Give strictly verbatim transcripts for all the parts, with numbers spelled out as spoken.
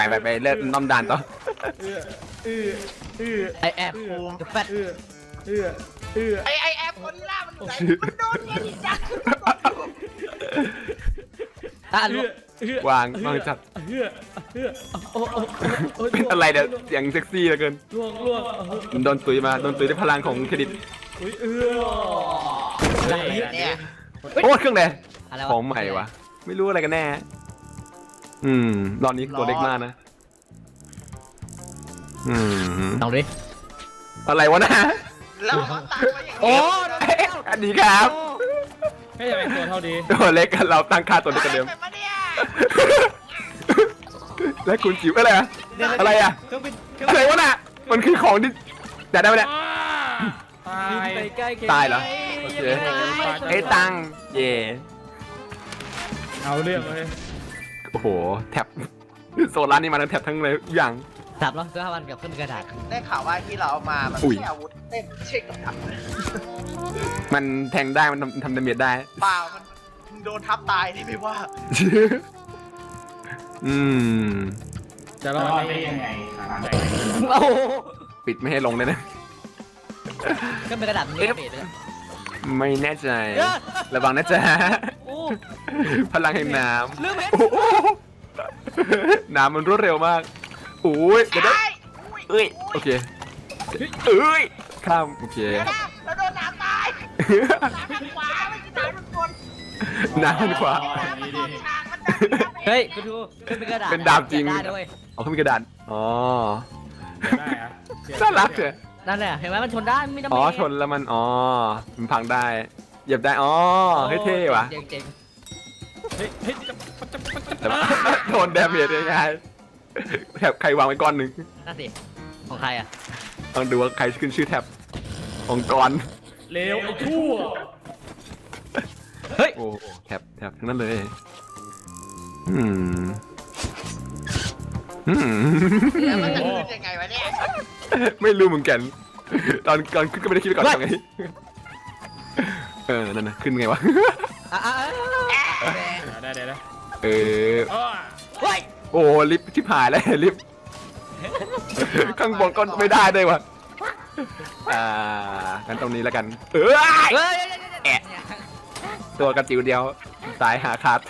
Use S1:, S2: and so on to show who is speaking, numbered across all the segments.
S1: ไปไปไปเลิกน้อมด่านต่อ
S2: เอื้อเอื้อเอื้อ
S3: ไอแอบภูมิแฟต
S2: เอื้อเอื้อเอื้อ
S4: ไอไอแอปคนล่ามันไหนมันโดนเนี่ยดิจัก
S3: อ่ะ
S2: เอื้อเอื้อ
S1: วางวางจับ
S2: เอื้อเอื้อโอ้โอ้โอ้
S1: เป็นอะไรเนี่ยเสียงเซ็กซี่เหลือเกิน
S2: ล่วงล่วง
S1: โดนตุยมาโดนตุยด้วยพลังของเครดิต
S2: อุ้ยเอื้อ
S4: เนี่ย
S1: โอ้เครื่องแดง
S3: อะไร
S1: ขอ
S3: วะ
S1: งใหม่วะไม่รู้อะไรกันแน่ อืมตอนนี้ตัวเล็กมากนะ อืม
S3: ลองดิ
S1: อะไรวะนะ
S4: แล้วเขาตั้งไว้อย่าง
S1: โอ้
S4: นี้
S1: อันนี้ครับ
S2: แค่ยังเป็นตัวเท่าดี
S1: ตัวเล็กกันเราตั้งค่าตัวเล็กกันเดิม
S4: เป็นปะเนี่ย
S1: แล้วคุณจิ๋วอะไรอะอะไรอะ
S3: เครื่องบินเครื่อง
S1: อะไรวะน่ะมันคือของที่จะได้ไหมเนี่ย
S2: ตาย
S3: ไปใกล้
S1: ตายเหรอโอเค ไอ้ตังเย่
S2: เอาเรื่องเลย
S1: โอ้โหแท็บโซลาร์นี่มาทั้งแท็บทั้งเลยทุกอย่าง
S3: สับแล้วเสื้อผ้ามันกับเครื่องกระดาษ
S4: ได้ข่าวว่าที่เราเอามา มัน
S1: อุ้
S4: ไม่
S1: ย
S4: ใช่อาวุธเต้นไม่ใช่กับดัก
S1: มันแทงได้มันทำทำดาเมจได้
S4: เปล่ามันมึงโดนทับตายนี่ไม่ว่า
S1: อืม
S2: จะรอดได้ยังไง
S3: โอ้โห
S1: ปิดไม่ให้ลงเลยนะ
S3: เครื่องเป็นกระดาษมันนี่เบสเลย
S1: ไม่แน่ใจ
S3: เอ้ย
S1: ระวังนะจ๊ะ
S3: โอ้
S1: พลังแห่งน้
S3: ลืมเห็น
S1: ำโอ้โหน้ำมันรวดเร็วมากโอ้ยเดี๋ยวนะ
S4: ใช่
S1: เอ้ยโอเคเอ้ยข้ามโอเค
S4: เดี๋ยวนะเราโดนน้ำตายน้ำทางขวาไม่ใช่น้ำทางบน
S1: น้ำมันขวา
S4: น้ำมันออกทางมันจะ
S3: เฮ้ยคุณดูเครื่องเป็นกระดาษ
S1: เป็นดาบจริง
S3: ได้ด้วย
S1: เอาขึ้นกระดานอ๋อ
S2: ได้อะ
S1: น่ารักเถอะ
S3: นั่นแหละเห็นไหมมันชนได้ไม่ต้อง
S1: อ๋อชนแล้วมันอ๋อมันพังได้เหยียบได้อ๋อเฮ้ยเท่ว่ะ
S3: เจ๋งเจ๋ง
S2: เฮ้ยเฮ้ยจะจะจะจะ
S1: แต่ว่าโดนแดเมจยังไงแถบใครวางไว้ก้อนหนึ่ง
S3: น่าสิของใครอ่ะ
S1: ลองดูว่าใครขึ้นชื่อแถบองค์กร
S2: เลวไอ้ชั่ว
S3: เฮ้ย
S1: โอ้แถบแถบทั้งนั้นเลยอืมอืม
S4: แล้วมันจะขึ้นยังไงวะเนี่ย
S1: ไม่รู้เหมือนกัน ตอนก่อนขึ้นก็ไม่ได้คิดไปก่อนทำไงเออนั่นนะขึ้นไงวะ
S3: อ่ะอ่ะอ่ะ
S2: ได้ได้ได้
S1: เออ
S3: เฮ้ย
S1: โอ้ลิฟต์ชิบหายแล้วลิฟต์ข้างบนก็ไม่ได้ด้วยวะอ่างั้นตรงนี้แล้วกัน เออ
S3: เฮ้ย
S1: แอะตัวกระจิ๋วเดียวสายหาขาด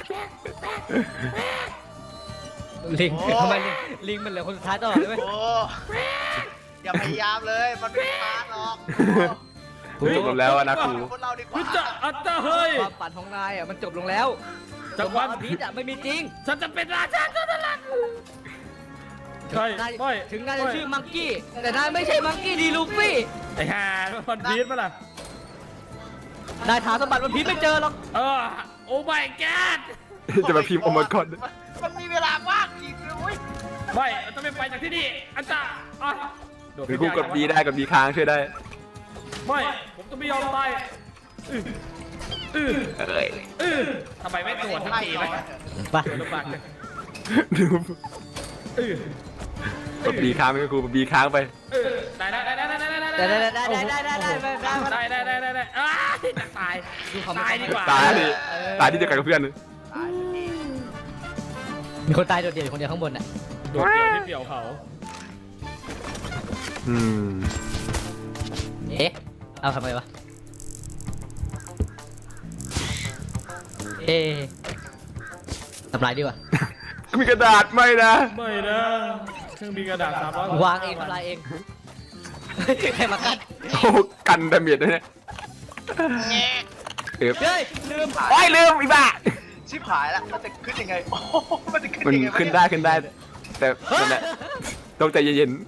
S3: ลิงทำไมลิงลิงมันเหลือคนสุดท้ายตลอดเลยเว้ย
S4: โอ้อย่าพยายามเลยมันไม่มาหรอก
S1: คุณจบลงแล้วอะนะครู
S4: คนเราดีก
S2: เฮ้ย
S4: ว่า
S2: จะอัตตาเฮ้ย
S3: ความฝันของนายอ่ะมันจบลงแล้ว
S2: จากวัน
S3: อภิษอ่ะไม่มีจริง
S2: ฉันจะเป็นราชาตัวนั้นใช่
S3: นาย
S2: ไม่
S3: ถึงนายจะชื่อมังกี้แต่นายไม่ใช่มังกี้ดีลูฟี่
S2: ไอ้ห่ามันพีชมาล่ะ
S3: นายหาสมบัติวันพีชไม่เจอหรอก
S2: เออโอ้ my god
S1: จะมาพิมพ์โอมากอน
S4: มันมีเวลาว่างจริงเลยเว้ย
S2: ไม่เราจะไม่ไปจากที่นี่อันจ่าอ่ะโดด
S1: หรือ
S2: ขึ้
S1: กู
S2: น
S1: กดบีได้กดบีค้างช่วยได้
S2: ไม่ผมจะไม่ยอมตายอื้ออื้อ
S1: เอ้ย
S2: อื้อทำไมไม่ตรวจทั้งทีไหม
S3: ไป
S2: ตรวจลำบากเลย
S1: ดู
S2: อื้อก
S1: ดบีค้างไปครูบีค้างไป
S2: อื้อได้ได้ได้ได้ได้ได้
S3: ได้ได้ได้ได้ได้ได้ได้ได้
S2: ได้ได้ได้ได้ได้อ้ายจะตาย
S3: ดูความ
S2: ตายดีกว่า
S1: ตายดิตายที่เดียวกันกับเพื่อน
S4: ตายสักที
S3: มีคนตายโดดเดี่ยวอยู่คนเดียวข้างบนอ่ะ
S2: โดดเดี่ยวที่เปี่ยวเขา
S1: อืม
S3: เอ๊ะเอาทำไมวะเอ๊ะทำลายดีกว่า
S1: มีกระดาษไหมนะ
S2: ไม่นะเครื่องบินกระดาษสามร้อยว
S3: างเองทำลายเองใครมากัด
S1: โอ้กันดาเมจด้วยเนี่ย
S4: แง่
S1: เอฟ
S3: เฮ้ยลืม
S1: โอ้ยลืมอีบ้า
S4: ชิบหายแล้วมันจะขึ้นยังไงโอ้โหมันจะขึ้น
S1: มัน
S4: ยังไงวะ
S1: ขึ้น
S4: เย
S1: ได้ขึ้นได้ แต่นั่นแหละต้องใจเย็น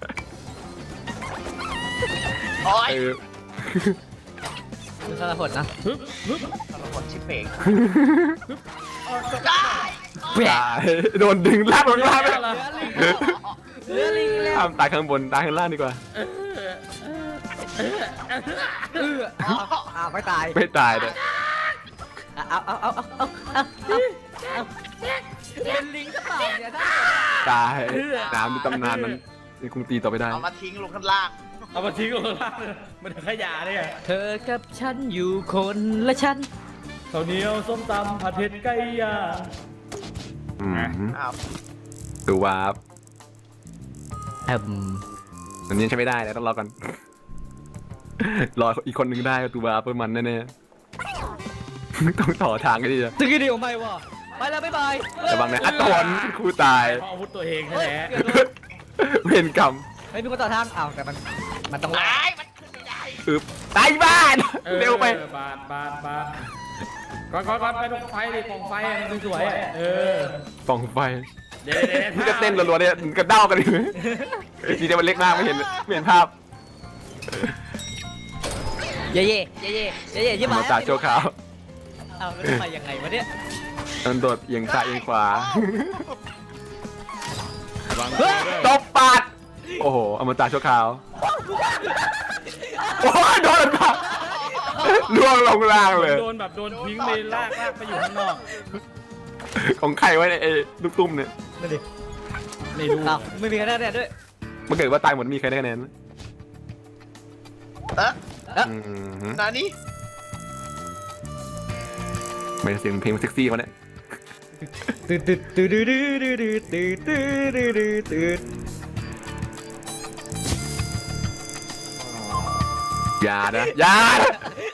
S4: โอ้
S1: ๆ
S4: ย
S1: เออ
S3: ดูสารพดนะ
S2: ฮึบฮึบ
S4: สารพัดชิบเป่ง
S3: ได้
S1: ตายโดนดึงลากลงล่างไป
S3: เหลือลิงแล้ว
S1: ห้ามตายข้างบนตายข้างล่างดีกว่า
S3: เออเอาเอาไม่ตาย
S1: ไม่ตายเลย
S3: เอาเอาเอาเอาเอาเอาเอาเป็นลิงก็เปล่าเนี่ยท่าน
S1: ตายน้ำในตำนานนั้นยังคงตีต่อไปได้
S4: เอามาทิ้งลงข้างล่าง
S2: เอามาทิ้งลงล่างเลยมันขยะเนี่ย
S3: เธอกับฉันอยู่คนละชั้น
S2: ข้าวเหนียวส้มตำผัดเผ็ดไก่ย่าง
S1: อืม
S4: อ้าว
S1: ดูวาร์ป
S3: เอิ่ม
S1: อันนี้ใช้ไม่ได้แล้วต้องรอก่อน รออีกคนหนึ่งได้ดูวาร์ปเพิ่มมันแน่ๆ ต้องต่อทางกันดีจ้ะ
S3: ตึกเดียวไม่วะไปแล้วบ๊ายบาย
S1: ระวังนะอัตตนครูตาย
S2: เพราะอาวุธตัวเอง
S3: เฮ้ย
S2: แท้
S3: เกือบโดน
S1: เวรกรรม
S3: เฮ้ยมีคนต่อทางอ้าวแต่มันมันต้องรอ
S4: ตายมันขึ้นไม่ได้
S1: อึบตายบ้าน
S2: ออ
S1: เร็วไป
S2: บาดบาดบาดก่อนก่อนก่อนไปตรงไฟดิกองไฟอะมันสวยๆอะเออ
S1: ป่องไฟ
S2: เดี๋ยวเดี๋ยว
S1: นี่จะเต้นรัวๆเนี่ยกระเด้ากันอยู่จริงๆมันเล็กมากไม่เห็นไม่เห็นภาพ
S3: เย่เย่เย่เย่เย่เย่ยี่
S1: มา
S3: มา
S1: จากโชว์ขาว
S3: เอาแล้วทำไมยังไงวะเนี่ย
S1: มันโดดเอียงซ้ายเอียงขวา
S2: ระวัง
S3: เฮ้ย
S1: ตบปาดโอ้โหอมตะโชว์ขาวโอ้ยโดนปาดล่วงลงล่างเลย
S2: โดนแบบโดนทิ้งไปลากลากไปอยู่ข้างนอก
S1: ของใครไว้ในไอ้ลูกตุ้มเนี่ย
S3: นั่นดิ
S2: ไม่รู้
S3: อ้าวไม่มีคะแนนด้วย
S1: มันเกิดว่าตายหมดมีใครได้คะแนนไหม
S4: เอ๊ะ
S1: อืม
S4: นานี่
S1: ไม่ใช่เสียงเพลงเซ็กซี่เขาเนี่ย
S3: ตื่นตื่นตื่นตื่นตื่นตื่นตื่นตื่นตื่นตื่น
S1: อย่านะอย่านะ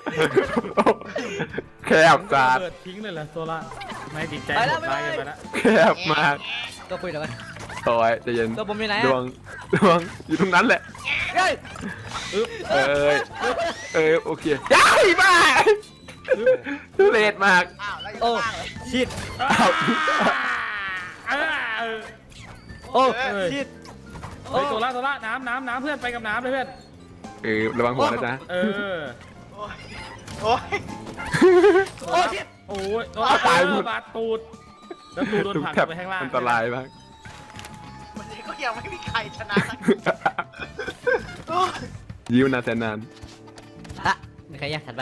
S1: แคบ
S2: มัน
S1: จั
S2: ก็
S1: ด
S2: เปิดทิ้งเลยเหรอโซล่าไม่ติดใจ
S3: ไป
S2: ห
S3: แล้ว
S2: มด
S3: ไป
S2: ตาย
S3: แล้
S2: กัน
S3: ว
S2: ไปแล้ว
S1: แคบมาก
S3: ตัวปุยเดี๋ยวกัน
S1: โอ้ยใจเย็น
S3: ตัวผมอยู่ไหน
S1: ดว
S3: อ่ะ
S1: งดวงอยู่ตรงนั้นแหละ
S3: เฮ้ย
S2: อึ๊บ
S1: เอ้ยเอ้ยโอเคย้ายบ้าทุเรศมาก
S4: อ้าวแล้วอยู่
S3: โอ้
S4: ข้างล่างเลย
S3: ชิด
S1: อ้าว
S2: อ่าเออ
S3: โอ้
S2: เอ้ย
S3: ชิด
S2: เฮ้ยโซล่าโซล่าน้ำน้ำน้ำเพื่อนไปกับน้ำเลยเพื่อน
S1: เออระวังหัวนะจ๊ะ
S2: เออ
S4: โอ้ยโอ้ย
S3: โอ้ชิด
S2: โอ้ยโอ้ย
S1: ตายหมด
S2: บาดตูดแล้วตูดโดน
S1: ทุก
S2: ผลัก
S1: แทบ
S2: ไปข้างล่าง
S1: อันตรายมาก
S4: วันนี้ก็ยังไม่มีใครชนะสักโอ้ย
S1: ยิ้วนานแสนนาน
S3: อ่ะมีใครอยากถัดไป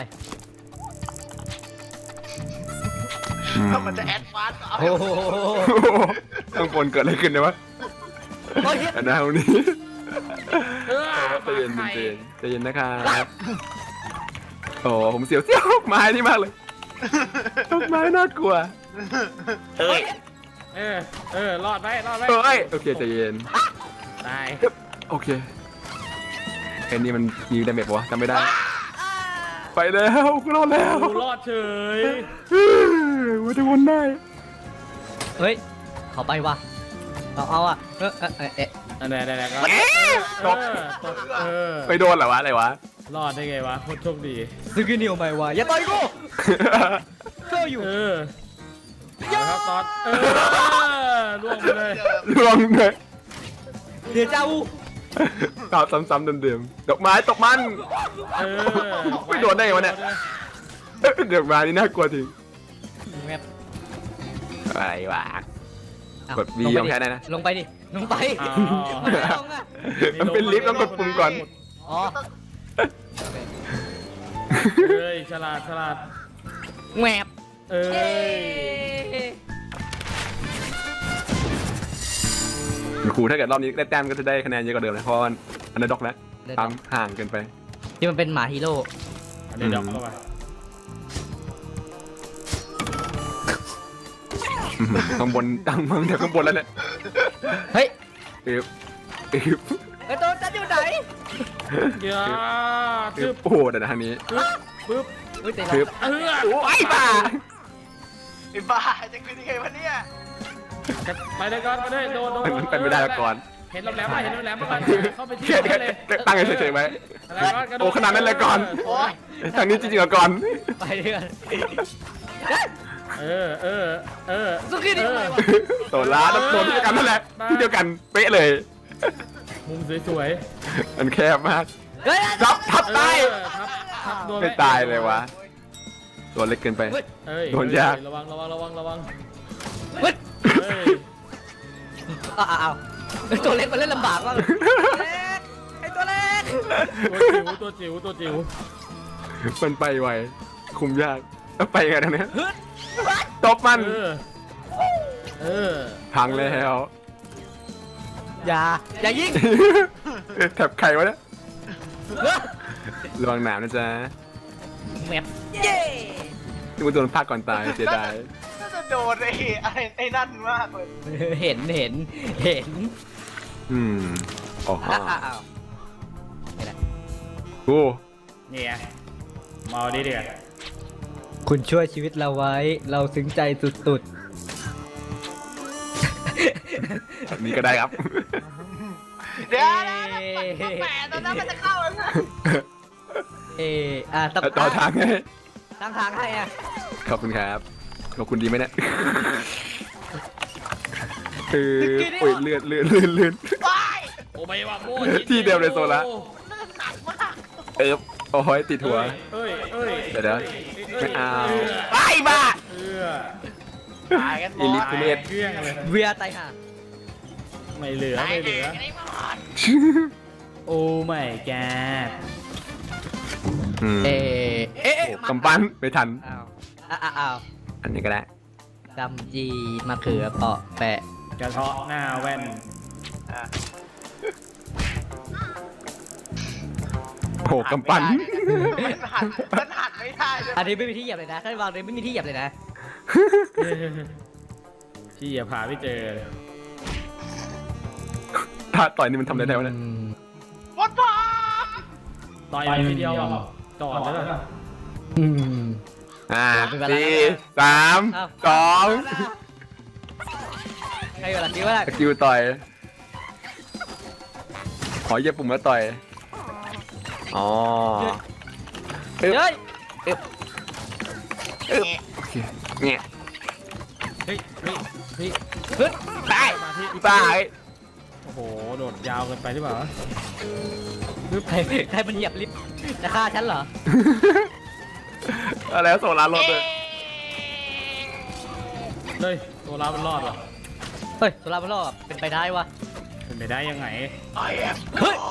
S1: อืม
S4: แล้วมันจะแอดวานซ์เอา
S3: โอ้โห
S1: ข้างบนเกิดอะไรขึ้นเนี่ยวะ
S3: โอ้ชิด
S1: อันนั้นวันนี้
S2: เออ
S1: ใจเย็นใจเย็นใจเย็นนะครับโอ้ผมเสียวเสียวไม้นี่มากเลยต้นไม้น่ากลัว
S4: เฮ้ย
S2: เออเออรอดไปรอดไป
S1: เอ้ยโอเคใจเย็น
S2: ตาย
S1: โอเคไอ้นี่มันมีดาเมจปะวะจำไม่ได้ ไปแล้วกูรอดแล้ว
S2: กูรอดเฉย
S1: ว่าจะวนได้
S3: เฮ้ยเขาไปว่ะเอาเอาอ่ะเออเออเออเอ๊ะ
S2: อันไหนไหนก็
S1: ตก
S2: เออตกเออ
S1: ไปโดนเหรอวะอะไรวะ
S2: รอดได้ไงวะโคตรโชคดี
S3: ซึกินิวไม่ว่ะอย่าต่อยกูเจ้าอยู่
S2: เออเอาละครับตอนเออล่วงไปเลย
S1: ลวงเลย
S3: เดี๋ยวเจ้า
S1: ตอบซ้ำๆเดิมๆดอกไม้ตกมัน
S2: เออ
S1: ไม่โดนได้ไงวะเนี่ย ดอกไม้นี่น่ากลัวจริง
S3: แมป
S1: อะไรวะ
S3: อ้าว
S1: กด V
S3: ลงไป
S1: ยอมแพ้ได้นะ
S3: ลงไปดิลงไป
S2: อ๋อ
S3: ไม่ลงอ่ะ
S1: มันเป็นลิฟต์ต้องกดปุ่มก่อน
S3: อ๋อ
S2: เอ้ยฉลาดฉลาด
S3: แมป
S2: เอ้ย
S1: ครูถ้าเกิดรอบนี้ได้แต้มก็จะได้คะแนนเยอะกว่าเดิมนะเพราะว่าอันดับด็อกแล้วตามห่างเกินไป
S3: ที่มันเป็นหมาฮีโร่
S2: อันนี้ดอกเข้าไป
S1: อื้อหือข้างบนตั้งมังเดี๋ยวข้างบนแล้วเนี่ย
S3: เฮ้ย
S1: เอ๊บเอ๊บ
S3: ไอ้ตัวจันอยู่ไหน
S2: เดี๋ยว
S1: เอ๊
S2: ตึ๊
S1: บบ โอ้โหเดี๋ยวนะทางนี้
S2: ปึ๊บปึ๊บ
S3: เฮ้ยแต่
S1: ปึ๊บ
S2: เออ
S1: โอ้ยบ้า
S4: ไอ้บ้าจะขึ้นยังไงวะเนี่ย
S2: ไปเลยก่อนไปเลยโดนโดน
S1: มันเป็นไม่ได้มาก่อน
S2: เห็นลำแหลมไหมเห็นลำแหลมไหมเข้าไปที่
S1: แค่
S2: นั่นเลย
S1: ตั้งเฉยๆไว้
S2: อะไรก่อนกระโดด
S1: โอ้ขนาดนั้นเลยก่อน
S4: โอ้ย
S1: ทางนี้จริงๆเหรอก่อน
S3: ไปเรื่อย
S2: เออเออเออ
S3: สุกี้ดิ
S2: เออ
S1: โซล่าแล้วโดนที่เดียวกันนั่นแหละที่เดียวกันเป๊ะเลย
S2: มุมสวย
S1: มันแคบมาก
S3: เฮ้ย
S1: ทับทับ
S2: ๆ
S1: ตาย
S2: เออทับทับโดน
S1: ไม่ตายเลยวะตัวเล็กเกินไป
S2: เอ้ย
S1: โดนยาก
S2: ระวังระวังระวังระวัง
S3: เฮ้ย
S2: เฮ้ย
S3: อ้าวอ้าวตัวเล็กมันเล่นลำบากมากเลยไอ้ตัวเล็ก
S2: ตัวจิ๋วตัวจิ๋วตัวจิ๋ว
S1: มันไปไวคุมยากแล้วไปไงทางเนี้ยตบมัน
S2: เออเออ
S1: พังแล้ว
S3: อย่าอย่ายิง
S1: แถบไข่วะเนี่ยระวังหนามนะจ๊ะ
S3: แมปเย้
S1: ที่มันโดนพลาดก่อนตายเสียดาย
S4: น่าจะโดนไอ้ไอ้ไอ้นั่นมากเลย
S3: เห็นเห็นเห็น
S1: อืมอ๋อ
S3: อ้าวอ้าว
S1: โอ้
S2: เนี่ยมาเอาดิเดี๋ยว
S3: คุณช่วยชีวิตเราไว้ เราซึ้งใจสุด
S1: แบบนี้ก็ได้ครับ
S4: เดี๋ยวนะแหมตอนนั้นมันจะเข้าแล้วนะ
S3: ๆ เอออ่ะต้อง
S1: ต่อทางไง
S3: ตั้งทางให้อ่ะ
S1: ขอบคุณครับขอบคุณดีไหมเนี่ยเออโอ้ยเลื่อนเลื่อนเลื่อนเลื่อน
S4: ว้าย
S2: โอ้ไม่ว่าโม่
S1: ที่เดียวเลยโซล่า
S4: น่าหนักมาก
S1: เออโอ้ยติดหัว
S2: เอ้ยเอ้ย
S1: เดี๋ยวเดี๋ยวไม่เอา
S4: ไอ้บ้า
S2: เออ
S4: ตายกันหม
S1: อีลิ
S4: ด
S1: ททุเรศ
S2: เครื่องเลย
S3: เวียไตห่า
S2: ไม่เหลือ
S4: ตาย
S2: ไม่เห
S4: แห
S2: ลือ
S4: กกันไอ้บ้า
S2: โอ้ไม่แก
S1: อืม
S3: เอเอ๊ะ
S1: โอ้กำปั้นไม่ทัน
S3: อ้าวอ้าวอ้าว
S1: อันนี้ก็ได้
S3: กำจีมะเขือเปาะแปะ
S2: กระเทาะหน้าแว่น
S1: โอ้กำปั้น
S4: มันหันมันหันไม่ได้เลย
S3: อันนี้ไม่มีที่เหยียบเลยนะถ้าวางเลยไม่มีที่เหยียบเลยนะ
S2: ที่อย่าพาไม่เจอเลย
S1: ถ้าต่อยนี่มันทำอะไรได้วะเนี่ย
S4: วัดพ่อ
S2: ต่อยทีเดียวจอดแล้วนะ
S3: อืม
S1: อ่า
S3: เป็นเวลา
S1: สี่สาม
S3: อ้าว
S1: สอง
S3: ให้เวลาคิดว่า
S1: สกิลต่อย ขอเหยียบปุ่มแล้วต่อย อ๋อ
S3: เฮ้ย
S1: โอเคเนี่ย
S2: เฮ้ยเฮ้ยเฮ้ย
S3: ขึ้น
S1: ตาย
S2: มาที่
S1: ตาย
S2: โอ้โหโดดยาวเกินไปหรือเปล่า
S3: ใครใครมันเหยียบลิฟต์จะฆ่าฉันเหรอ
S1: อะไรวะโซลาร์รถเลย
S2: เฮ้ยตัวเรามันรอดเหรอ
S3: เฮ้ยสุราพรอดเป็นไปได้วะ
S2: เป็นไปได้ยังไง
S4: ไอ้แอม
S3: เฮ้ย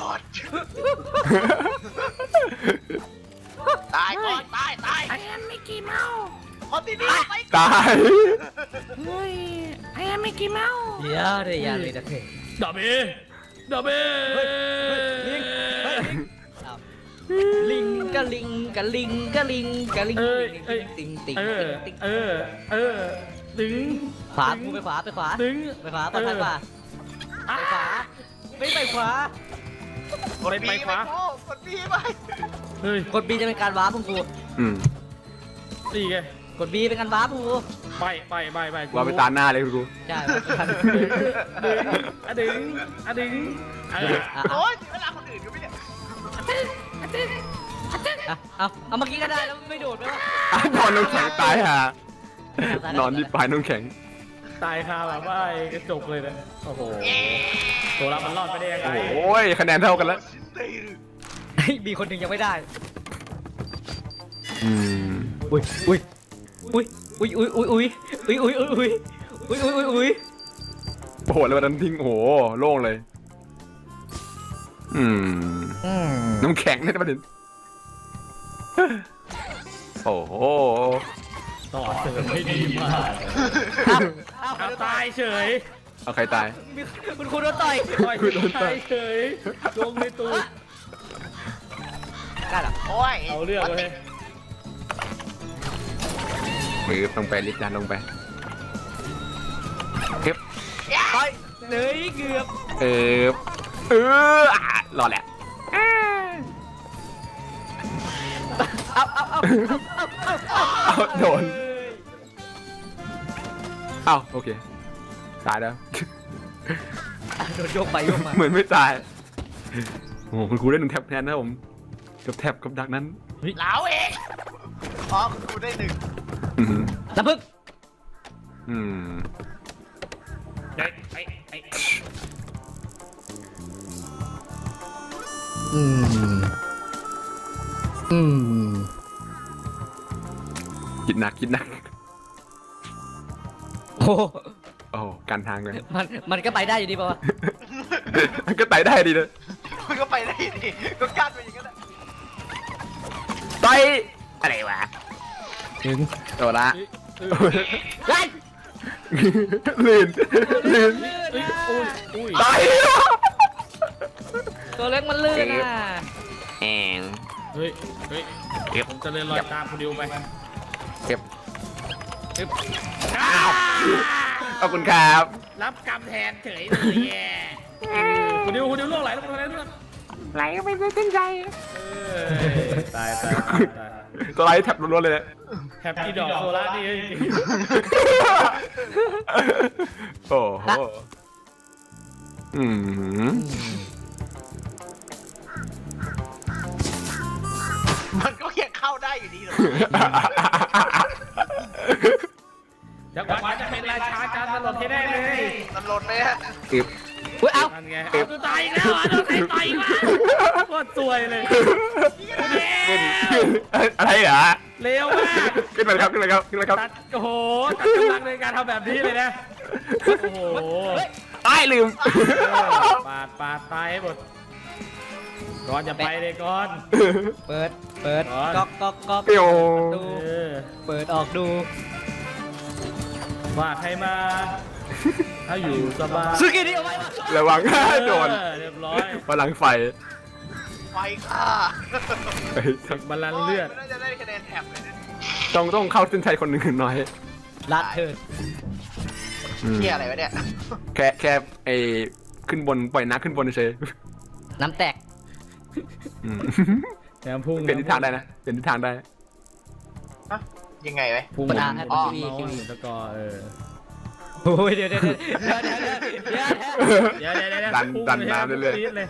S4: ตายก่อนตายตายไอ้แอมไม่กี่เมาคนที่นี่ไป
S1: ตาย
S3: เดี๋ยวเดี๋ยวอย่าเลยนะเพ่
S2: ดับเบดับเบ
S3: ลิงเฮ้ยอ้าวลิงกะลิงกะลิงกะลิงกะลิง
S2: เอ้ยเอ้ย
S3: ติงติง
S2: เออ
S3: ติง
S2: เออเออดึง
S3: ขวากูไปขวาไปขวา
S2: ดึง
S3: ไปขวาปลอดภัยกว่าไปขวาไม่ไปขวา
S4: กดบีไปโอ้กดบีไป
S2: เฮ้ย
S3: กดบีจะเป็นการวาร์ปของกู
S1: อืม
S2: นี่ไง
S3: กดบีเป็นการวาร์ปของกู
S2: ไปไปไปไป
S1: ว่าไปตาหน้าเลยกู
S3: ใช่วาร์ปกัน
S2: ดึงอะดึงอะดึงเออ
S3: อ่ะ
S4: โอ้ยเวลาคนอื่นก็ไม่เนี่ย
S3: อ่ะเอาเอาเมื่อกี้ก็ได้แล้วไม่โดดไหมวะ
S1: อ่ะนอนน้ำแข็งตายฮะนอนที่ปลายน้ำแข็ง
S2: ตายคาแบบว่าไอ้กระจกเลยนะโอ้โหตัวเรามันรอดไปได้ยังไง
S1: โอ้ยคะแนนเท่ากันแล้ว
S3: เฮ้ยมีคนหนึ่งยังไม่ได้
S1: อืม
S3: อุ้ยอุ้ยอุ้ยอุ้ยอุ้ยอุ้ยอุ้ยอุ้ยอุ้ยอุ้ยอุ้ยอุ้ยอุ้ยอุ้ย
S1: โอ้โหแล้ววันนั้นทิ้งโอ้โหโล่งเลย อืม
S3: อืม
S1: น้ำแข็งเนี่ยประเด็นโอ้โห
S2: ต่อเสริมไม่ดีมาก
S3: เอาเอา
S2: เอาตายเฉย
S1: เอาใครตาย
S3: มีคุณครูโดนต่อย
S2: ต่อยตายเฉยลงในตูด
S3: ได้เหรอ
S4: โอ้ย
S2: เอาเรื่องเลย
S1: มือลงไปลิฟต์ดันลงไปเก็บ
S3: ต่อยเฮ้ยเกือบ
S1: เออเอออ่ะรอดแหละ
S3: เอาเอาเอาเอาเอาเอา
S1: เอาโดนเอ้าโอเคตายแล้ว
S3: โดนโยกไปโยกมา
S1: เหมือนไม่ตายโอ้โหคุณครูได้หนึ่งแท็บแทนนะผมกับแท็บกับดักนั้น
S4: เหลาเองอ๋อคุณครูได้หนึ่ง
S1: อืม
S3: น้ำพึ่ง
S1: อืม
S2: ไอ้ไอ้ไอ้
S3: อืมอืม
S1: คิดหนักคิดหนัก
S3: โอ้
S1: โอ้การทางเลย
S3: มันมันก็ไปได้อยู่ดีป่าวะ
S1: มันก็ไต่ได้ดีเลย
S4: มันก็ไปได้ดิก็กั้นไปอย่างนั้นแหละ
S1: ไต่อะไรวะ
S3: ถึง
S1: โดนละ
S3: ไล่
S1: ลื่นลื่น
S2: อุ้ยอุ้ยอุ้ย
S1: ไต่
S3: ตัวเล็กมันลื่นอ่ะ
S1: แอง
S2: เฮ้ยเฮ้ย
S1: เก็บ
S2: ผมจะเดินลอยตามคุณดิวไป
S1: เก็บ
S2: อ้าว
S1: ขอบคุณครับ
S2: รับกรรมแทนเฉยเลยแย่คุณดิวคุณดิวล่วงไหลลงไปแล้ว
S1: ไหลก็ไม่เป็นเส้นใจ
S2: ตายตายตายตาย
S1: ตัวไรแท็บล้วนๆเลยเนี่ย
S2: แฮปปี้ดอกโซล่านี่
S1: โอ้โหอืม
S4: มันก็ยังเข้าได้อยู่ดีเหรอ
S2: จังหวะจะเป็นราชาจานตลอดที่ได้เลย
S4: มันหล่นไหมฮะ
S1: อึบ
S3: อุ้ยเอ้า
S2: นั่นไงเอาตัวตายอีกแล้วอ่ะโดนใครต่อยมาโคตรซวยเลย
S1: ขึ้นขึ้นอะไรเหรอ
S2: เร็วมาก
S1: ขึ้นไปครับขึ้นไปครับขึ้นไปครับ
S2: ตัดโอ้โหตัดกำลังในการทำแบบนี้เลยนะโอ้โห
S1: ตายลืม
S2: ปาดปาดตายให้หมดก่อนจะไปเลยก่อน
S3: เปิดเปิด
S2: ก่อน
S3: ก๊อกก๊อกก๊อก
S1: เปียว
S3: ดู
S2: เออ
S3: เปิดออกดู
S2: ฝากใครมา ถ้าอยู่สบาย
S3: ซื้อกี่นี้เอาไว้วะ
S1: ระวังโดน
S2: เออเรียบร้อย
S1: พลังไฟ
S4: ไฟค่ะ
S1: เฮ้ย
S2: ศึกบาลานซ์เลือด
S4: น่าจะได้คะแนนแท็บเลยนะ
S1: ต้องต้องเข้าเส้นชัยคนหนึ่งน้อย
S3: ลัดเถิด
S1: อืม
S4: เฮียอะไรวะเนี่ย
S1: แค่แค่ไอ้ขึ้นบนปล่อยน้ำขึ้นบนเฉย
S3: น้ำแตก
S1: อืม
S2: แถมพุ่ง
S1: เปลี่ยนทิศทางได้นะเปลี่ยนทิศทางได้
S4: ฮะยังไงไหม
S2: พุ่ง
S3: ประดาให้
S2: อ๋อ
S3: คิวอีคิวอี
S2: แล้วก็เออ
S3: โอ้ยเดี๋ยวเดี๋ยวเดี๋ยวเดี๋ยวเดี๋ยวเดี๋ยวเดี๋ยว
S2: เดี๋ยวเดี๋ยวเดี๋ยว
S1: ดัน
S2: พุ่ง
S1: ดัน
S2: ล
S1: น้ำเรื่อย
S2: พุ่งปี๊ดเลย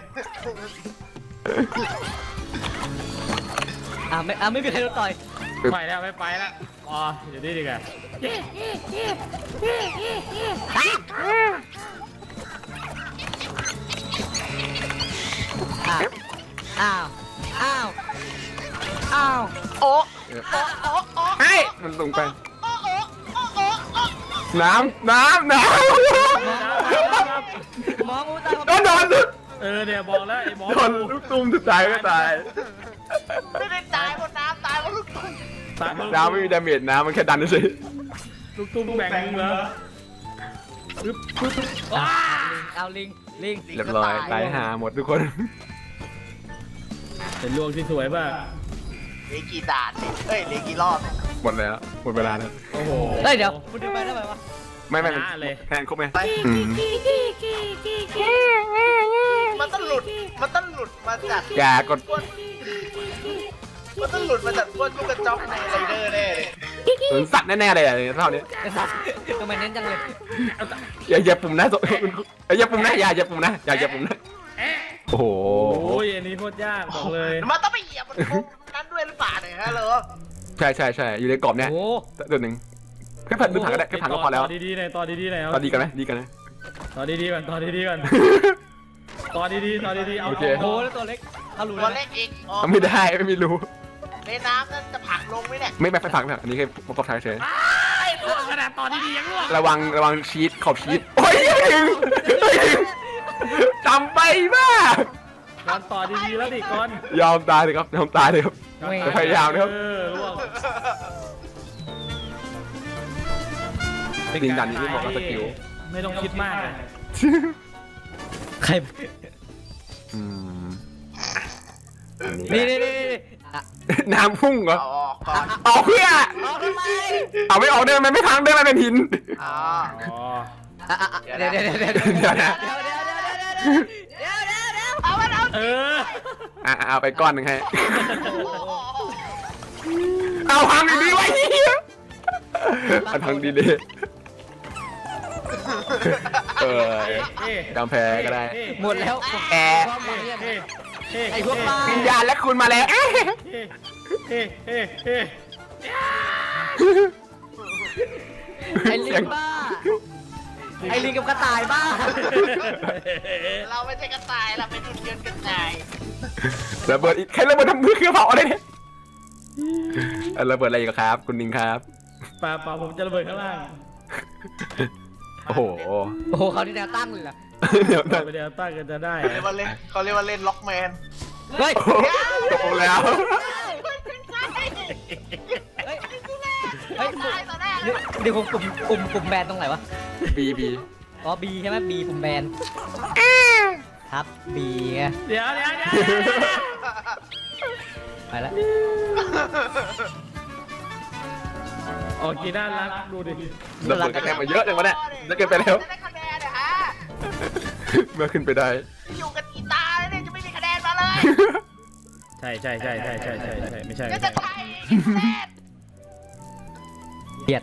S3: อ่ะไม่อ่ะไม่มีใครโดนต่อย
S2: ไปแล้วไม่ไปแล้วอ๋อเดี๋ยวนี้ดีกว่า
S3: อ้าวอ้าวอ้าวอ้าว
S4: โอ้โอ้โอ้โอ้
S1: ๆเฮ้ยมันลงไป
S4: โอ้โอ้โอ้โอ้โอ้
S1: น้ำน้ำน้
S3: หมองูตาย
S1: ำโดนโดน
S2: เออเนี่ยบอกแล้วไอ้หมอ
S1: โดนลูกตุ้มสุดท้ายก็ตาย
S4: ไม่ได้ตายบนน้ำตายบนลูกตุ้ม
S2: ตาย
S1: น้ำไม่มีดาเมจน้ำมันแค่ดันเฉย
S2: ลูกตุ้มแบ่งมึงเหรอปึ๊บปึ๊บปึ๊บ
S3: ว้าเอาลิงลิง
S1: เรียบร้อยตายหาหมดทุกคน
S2: เป็นลวงที่สวยมาก
S4: เหลือกี่ด่านเนี่ยเฮ้ยเหลือกี่รอบเนี่ย
S1: หมดแล้วหมดเวลาแล้ว
S2: โอ้โห
S3: เฮ้ยเดี๋ยวคุณดูไปได้ไหมวะ
S1: ไม่ไม่
S2: ชนะเลย
S1: แทนครบไหม
S4: ไป
S1: อืม
S4: มันต้องหลุด มันต้องหลุดมาจาก
S1: อย่ากด
S4: ก้นมันต้องหลุดมาจากก้นลูกกระจอกในไรเดอร์แน่เลย
S1: สวนสัตว์แน่ๆเลยอะเท่านี้
S3: ทำไมเน้นจังเลย
S1: อย่าอย่าปุ่มนะอย่าปุ่มนะอย่าอย่าปุ่มนะอย่าอย่าปุ่มนะ
S2: เอ๊ะ
S1: โอ้โห
S2: โอ้ยอันนี้โคตรยากบอกเลย
S4: มันต้องไปเหยียบมันทุกนั้นด้วยหรือเปล่าเนี่ยฮะเหรอ
S1: ใช่ใช่ใช่อยู่ในกรอบเนี้ย
S3: โอ้
S1: ตัวหนึ่งแค่ผัดดูผังก็ได้แค่ผังก็พอแล้ว
S2: ต่อดีๆหน่อยต่อดีๆหน่อย
S1: ตอนดีกันไหมดีกันไหม
S2: ต่อดีๆก่อนต่อดีๆก่อนต่อดีๆต่อดีๆเอา
S1: โอเค
S3: โหแล้วตัวเล็กเอารู้
S4: ตัว
S3: เลย
S4: เล็กอีกอ๋อ
S1: ไม่ได้ไม่มีรู
S4: ในน้ำนั่นจะผลักลงไหมเนี่ย
S1: ไม่แบบไปผังนะอันนี้แค่ประกอบท้ายเฉย
S2: ไอ้ลวงขนาดต่อดีๆยังลวง
S1: ระวังระวังชีตขอบชีตโอ้ยจำไปบ้า
S2: ก่อนต่อดีๆแล้วดิก่อน
S1: ยอมตายเลยครับยอมตายเลยครับ จะพยายามนะครับ
S2: เออลวง
S1: ดินดันนี่ไม่เหมาะกับสกิล
S2: ไม่ต้องคิดมากเลย
S3: ใคร
S1: อืมอัน
S3: นี่
S1: นี้
S3: นี่นี่นี่อ่ะ
S1: น้ำพุ่งเหรอ
S4: เอาออกก่อน
S1: เอาเพื่อ
S3: เอาทำไม
S1: เอาไม่ออกเดินมันไม่พังเดินมันเป็นหิน
S4: อ๋อ
S2: อ๋อ
S3: อ่ะอ่ะอ่ะเดี๋ยวเดี๋ยวเดี๋ยวเดี๋ยว
S1: เดี๋ยวนะ
S3: เดี๋ยวเดี๋ยวเดี๋ยวเดี๋ยวเดี๋ยวเดี๋ยวเดี๋ยวเดี๋ยว
S4: เอามันเอา
S2: เออ
S1: อ่ะเอาไปก้อนหนึ่งให้
S4: โอ้โห
S1: เอาพังดีๆไว้เหี้ยเอาพังดีๆเออ
S2: เอ๊ะ
S1: กำแพ้ก็ได้
S2: เอ๊ะ
S3: หมดแล้ว
S1: แอร์
S3: ความหวังเนี่ย
S2: เอ๊ะเอ๊ะ
S3: ไอ้พวกบ้า
S1: วิญญาณและคุณมาแล้วเอ๊ะ
S2: เอ๊ะเอ๊ะเอ๊ะเอ๊ะ
S3: ไอ้ลิงบ้าไอ้ลิงกับกระต่ายบ้า
S4: เราไม่ใช่กระต่ายเราเป็นหุ่นยนต์กระต่าย
S1: ระเบิดอีกใครระเบิดทำมือเครื่องเผาอะไรเนี่ยเอ่อระเบิดอะไรอีกครับ คุณนิงครับ
S2: ป่าป่าผมจะระเบิดข้างล่าง
S1: โอ้โห
S3: โอ้โหเขาที่แนวตั้งเลยเหรอ
S1: เดี๋ยวนะ
S2: ไปเดี๋ยวตั้งกันจะได้
S4: เขาเรียกว่าเล่นเขาเรียกว่าเล่นล็อกแมน
S3: เฮ้ย
S1: โอ้โหจบแล้ว
S3: เฮ้ยเฮ้ย
S4: ตายต่อหน้าเล
S3: เดี๋ยวย เดี๋ยวผมปุ่มปุ่มปุ่มแบนตรงไหนวะ
S1: บีบี
S3: อ๋อ B ใช่ไหม B ปุ่มแบนครับ B ไง
S2: เดี๋ยวเดี๋ยวเดี๋ยว
S3: ไปแล้ว
S2: โอ้กีน่ารักดูดิ
S1: ระเบิดคะแนนมาเยอะจังวะเนี่ยจะเกินไปแล้ว
S4: จะได้คะแนนเหรอฮะ
S1: เมื่อขึ้นไปได้
S4: อยู่กันกีตาร์แล้วเนี่ยจะไม่มีคะแนนมาเลย
S2: ใช่ใช่ใช่ใช่ใช่ใช่ใช่ไม่ใช่
S4: ก็
S2: ไม่
S4: จะ
S2: ใช่
S4: ไทยอีกคะแนน
S3: เบียด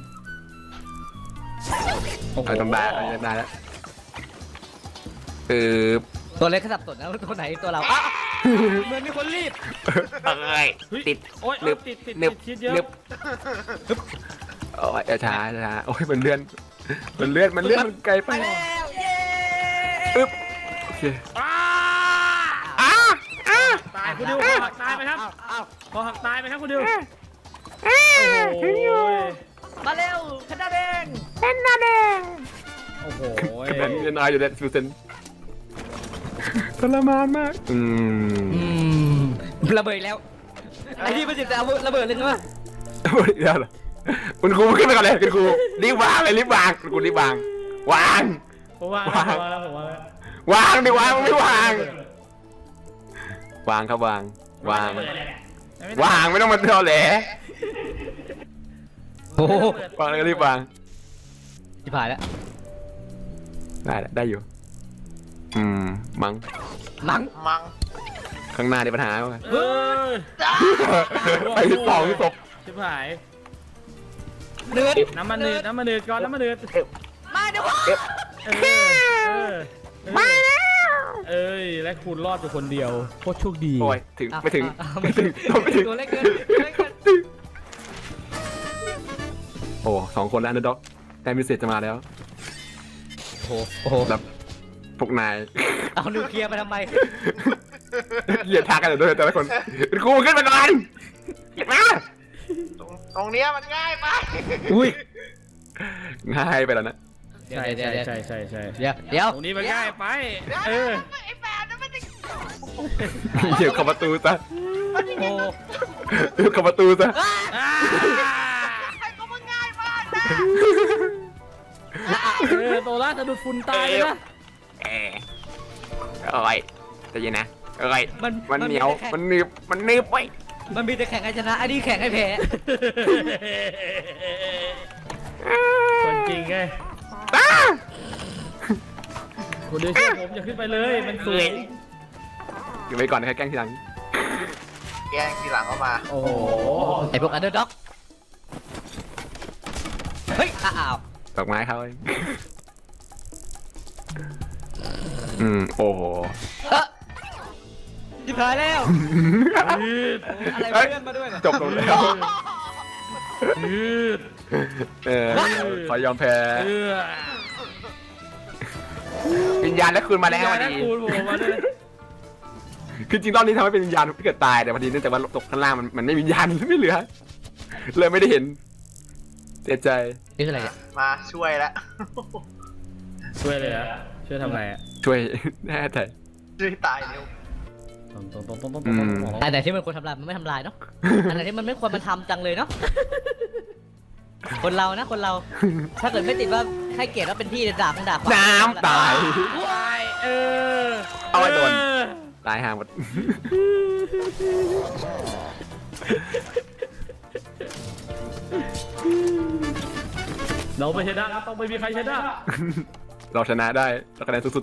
S2: โอ้โห
S1: เอาทำได้เอาทำได้แล้วเออ
S3: ตัวเล็กขสับสนนะตัวไหนตัวเราอ่ะเหมือนมีคนรีบ
S1: เอ้ย
S2: เฮ้ย
S1: ติด
S2: โอ้ย
S1: นึบ
S2: ติดติด
S1: นึบ
S2: ติดชิดเยอะ
S1: นึบโอ้ยช้าช้าโอ้ยมันเลื่อนมันเลื่อนมันเลื่อนมันไกลไป
S3: ไปแล้วเย้
S1: อึ๊บโอเค
S2: อ้า
S1: อ้าอ้า
S2: ตายคุณดิวคอหักตายไหมครับ
S3: อ้าว
S2: คอหักตายไหมครับคุณดิว
S1: อ้า
S2: โอ้
S1: ถึงอยู่
S2: ย
S3: มาเร็วคณะแดง
S1: เป็นนาแดง
S2: โอ้โห
S1: คะแนนยังน้อยอยู่เลยฟิวเซนทรมานมากอืม
S3: อืมระเบิดอีกแล้วไอ้ที่มันจะเอาระเบิดเลยใช่ไหม
S1: หมดอีกแล้วเหรอคุณครูขึ้นไปก่อนเลยคุณครูรีบวางเลยรีบวางคุณครูรีบวางวาง
S2: ผมว่าแล้วผมว่าแล้วผมว่าแล้ว
S1: วางดิวางไม่วาง วางครับวาง วาง วางไม่ต้องมาเท่าแหล
S3: โอ้โห
S1: วางแล้วก็รีบวาง
S3: ที่ผ่านแล้ว
S1: ได้แหละได้อยู่ อืมมัง
S3: มัง
S4: มัง
S1: ข้างหน้าได้ปัญหาไหม
S2: เฮ้ย
S4: จ้า
S1: ไปสองศพ
S2: ชิบหาย
S3: เนืด
S2: น้ำมันเนืดน้ำมันเนืดก่อนน้ำมันเนืด
S3: มาเดี๋ยวพ่อ
S2: เออเออมาแล้วเอ้ยและคุณรอดอยู่คนเดียวโคตรโชคดี
S1: โอ้ยถึงไม่ถึง
S3: อ่ะ
S1: ไม่ถึงไม่ถึง
S3: ตัวเล็กเกินตัวเล็กเกิน
S1: โอ้สองคนแล้วนะด็อกแต่มิเศษจะมาแล้ว
S3: โอ้โหโอ้โห
S1: แบบพวกนาย
S3: เอานิวเคลียร์มาทำไม
S1: เหยียดทางกันอยู่ด้วยแต่ละคนคุณครูขึ้นมาก่อนเห็นไหม
S4: ตรงตรงเนี้ยมันง่ายไป
S3: อุ้ย
S1: ง่ายไปแล้วนะ
S3: เดี๋ยว
S2: ใช่
S3: เดี๋ยว
S2: ใช่
S3: เดี๋ยว
S2: ใช่ใช่ใช่
S3: เดี๋ยวเดี๋ยว
S2: ตรงนี้มันง่ายไปเออ
S4: ไอ้แบบนั้นมันจะ
S1: เหยียบเข้าประตูซะ
S3: โอ้
S1: เหยียบเข้าประตูซะ
S2: อ่า
S4: ใครก็มันง่ายมากนะ
S2: เออโตล่าจะดูดฝุ่นตายเลยนะ
S1: เออโอ้ยใจเย็นนะโอ้ย
S3: มัน
S1: มันเหนียว
S3: แต่แข่ง
S1: มันหนึบมันหนึบไว้
S3: มันมีแต่แข่งให้ชนะอันนี้แข่งให้แพ้
S2: คนจริงไง
S1: อ้า
S2: คุณดูเชื่อผมอย่าขึ้นไปเลยมันสูง
S1: อยู่ไปก่อนนะครับแกล้งทีหลัง
S4: แกงทีหลังเข้ามา
S2: โอ้โห
S3: ไอพวกอันเดอร์ด็อกเฮ้ยอ้าว
S1: ดอกไม้เขาเองอืมโอ้โห
S3: เอ๊ะที่ผ่านแล้ว
S2: ยืด
S3: อะไรเพื่อนมาด้วยเหรอ
S1: จบลงแล้ว
S2: ยืด
S1: เออขอยอมแพ้
S2: เออ
S1: วิญญาณและคุณมาแล้วพอ
S2: นะ
S1: ดี
S2: คุณผมมาด้วย
S1: คือจริงรอบนี้ทำให้เป็นวิญญาณที่เกิดตายแต่พอดีเนื่องจากว่าตกข้างล่างมันมันไม่มีวิญญาณไม่เหลือ เลยไม่ได้เห็นเสียใจ
S3: นี่คืออะไรเนี่ย
S4: มาช่วยแล้ว
S2: ช่วยเลยนะช่วยทำอะไรอ่ะ
S1: ช่วย แน่ใจ
S4: ช่วยตายเร็ว
S2: ตรงตรงตรงตรงตรง
S1: อืม
S3: อันไหนที่มันควรทำลายมันไม่ทำลายเนาะ อันไหนที่มันไม่ควรมันทำจังเลยเนาะ คนเรานะคนเรา ถ้าเกิดไม่ติดว่าให้เกียรติว่าเป็นพี่ด่าคงด่าความ
S1: น้ำตาย
S2: วายเออ
S1: เอาไว้โดน ตายห่างหมด
S2: เราไม่ชนะต้องไม่มีใครชนะ
S1: เราชนะได้เราคะแนนสุด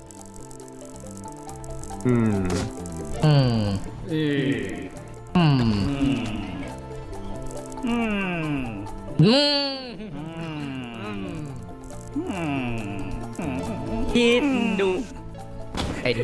S1: ๆอืม
S3: อืม
S2: เออ
S3: อืม
S2: อืม
S3: อืม
S2: อืม
S3: คิดดูไอ้ที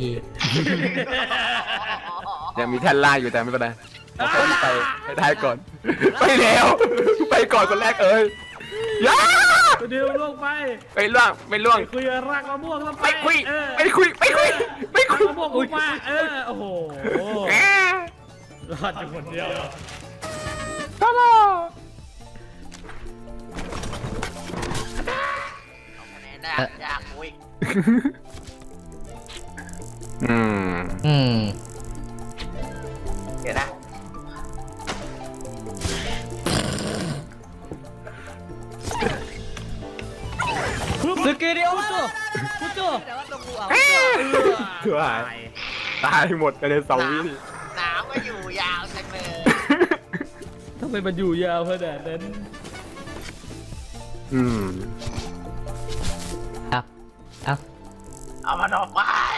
S1: ยังมีแท่นล่างอยู่แต่ไม่เป็นไรเอาคนไปไปท้ายก่อน ไปแล้ว ไปก่อนคนแรกเอ้ยย่า
S2: ตัวเดียวล่วงไป
S1: ไปล่วงไม่ล่วง
S2: คุยรากมะม่วงแล้ว
S1: ไปคุย
S2: เออ
S1: ไปคุยไปคุยไปคุย
S2: รากมะม่วงคุยมาเออโอ้โห
S1: แหม
S2: รอดอยู่คนเดียว
S1: ตลอด
S4: คะแนนน่าอยากอุ้ย
S1: อืม
S3: อืม
S4: เดี๋ยวนะ
S3: สกิลเดียวจุ๊จุ๊จุ๊แต่ว่าตรงกูเอา
S1: เถื่อหายตายหมดภายในสองวิ
S4: หนาวก็อยู่ยาวจังเลย
S2: ทำไมมันอยู่ยาวขนาดนั้น
S1: เอืม
S3: เอาเอา
S4: เอามันออกไป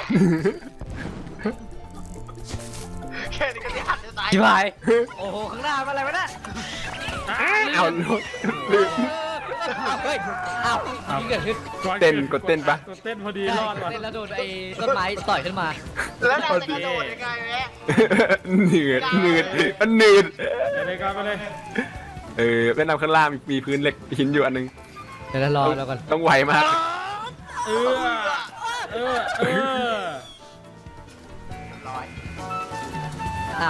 S4: แค่นี้ก็ที่หันจะตาย
S3: ชิบหาย โอ้โห ข้างหน้ามันอะไรวะเนี่ย
S1: เอาลืม
S3: เฮ้ยอ้าวนี่เกิดขึ้น
S1: เต้นกดเต้นปะ
S2: กดเต้นพอดีรอดว่ะ
S3: เต้นแล้วโดนไอ้ต้นไม้ต่อยขึ้นมา
S4: แล้วนายจะกระโดดยังไงแม่
S1: เหนืดเหนืดมันเหนืด
S2: ไปเลยก่อนไปเลย
S1: เออแนะนำข้างล่างมีพื้นเหล็กหินอยู่อันนึง
S3: เดี๋ยวเรารอแล้วกัน
S1: ต้องไวมาก
S2: เออเออเออ
S4: ร้อย
S3: อ้าว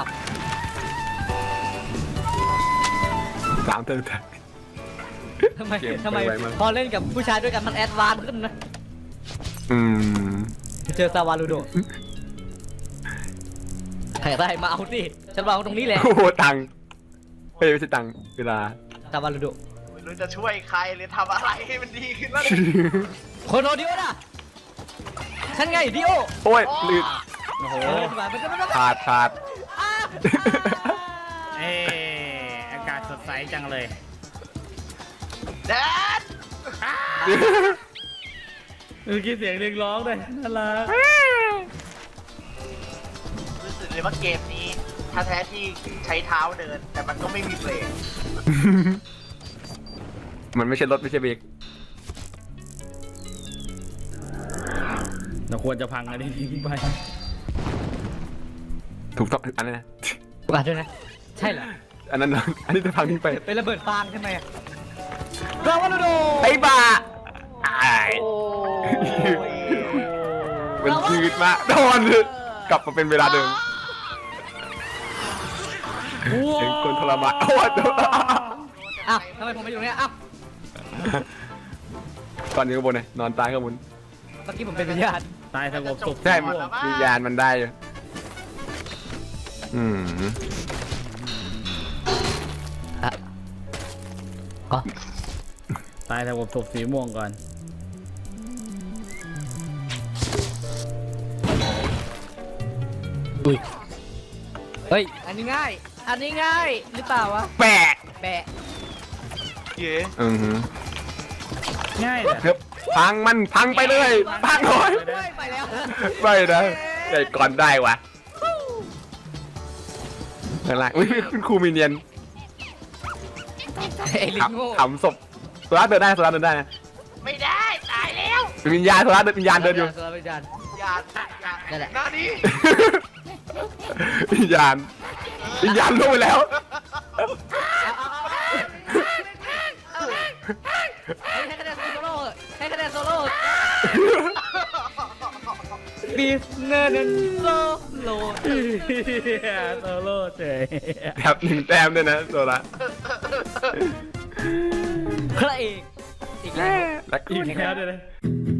S1: สามเทิร์น
S3: ทำไม
S1: เกม
S3: ทำไม
S1: ไปไวมาก
S3: พอเล่นกับผู้ชายด้วยกันมันแอดวานซ์ขึ้นนะ
S1: อืม
S3: เจอซาวาลูโดใครได้มาเอาสิฉันวางตรงนี้แหละ
S1: โอ้โหตังค์เฮ้ยไม่ใช่ตังค์เวลา
S3: ซาวาลูโด
S4: ไม่รู้จะช่วยใครหรือทำอะไรให้มันดีขึ้นแล้ว
S3: โคโนดิโอนะฉันไงดิโอ
S1: โอ้ยลืด
S2: โอ้โห
S3: เออมันก็มันก็
S1: ขาดขาด
S3: อ้า
S2: เอออากาศสดใสจังเลย
S4: แดน
S2: เมื่อกี้เสียงเรียกร้องเลยน่ารัก
S4: รู้สึกเลยว่าเกมนี้ถ้าแท้ที่ใช้เท้าเดิน แต่มันก็ไม่มีเบรก
S1: มันไม่ใช่รถไม่ใช่เบรก
S2: เราควรจะพังอันนี้ทิ้งไป
S1: ถูกต้องอันนั้นนะ
S3: ว่าด้วยนะ ใช่เหรอ
S1: อันนั้นนะอันนี้จะพังทิ้งไป
S3: เป็นระเบิดฟางใช่ไหมซาวาลูโด
S1: ไอ้บ้าอ้าย
S4: โอ้ย
S1: มันยืดมากโดนกลับมาเป็นเวลาเดิมเองคนทรมานโอ้ย
S3: อ้าวทำไมผมไปอยู่ตรงเนี้ยอ้าว
S1: ตอนนี้ข้างบนเลยนอนตายข้างบน
S3: เมื่อกี้ผมเป็นวิญญาณ
S2: ตายสงบสุข
S1: ใช่มันวิญญาณมันได้อยู่อืม
S3: อ่ะอ๋อ
S2: ตายสงบสุขสีม่วงก่อน
S3: อุ้ยเฮ้ย อันนี้ง่าย อันนี้ง่ายหรือเปล่าวะ
S1: แปะ
S3: แปะ
S4: เย้
S1: อือหือ
S2: ง่ายเลย
S1: เฮ้ยพังมันพังไปเลยพังหน่อย
S3: ไม่ไปแล้ว
S1: ไม่นะใหญ่ก่อนได้วะอะไรอุ้ยคุณครูมีเนียน
S3: ไอ้ลิงโง่
S1: ขำศพโซล่าเดินได้โซล่าเดินได้นะ
S4: ไม่ได้ตายแล้ว
S1: เป็นวิญญาณโซล่าเดินวิญญาณเดินอยู่
S3: โซลาร์วิญญาณ
S4: อย่าอย่า
S3: นั่นแหละ
S4: หน้านี้
S1: วิญญาณวิญญาณลงไปแล้ว
S3: ให้คะแนนโซโล่ให้คะแนนโซโล่บีฟเนอร์นโซโล่
S2: โซโล่เฉย
S1: แถบหนึ่งแต้มด้วยนะโซล่า
S3: พระเอกอีกแล้ว
S1: ลักกี้
S2: อีกแล้วเดี๋ยวนะ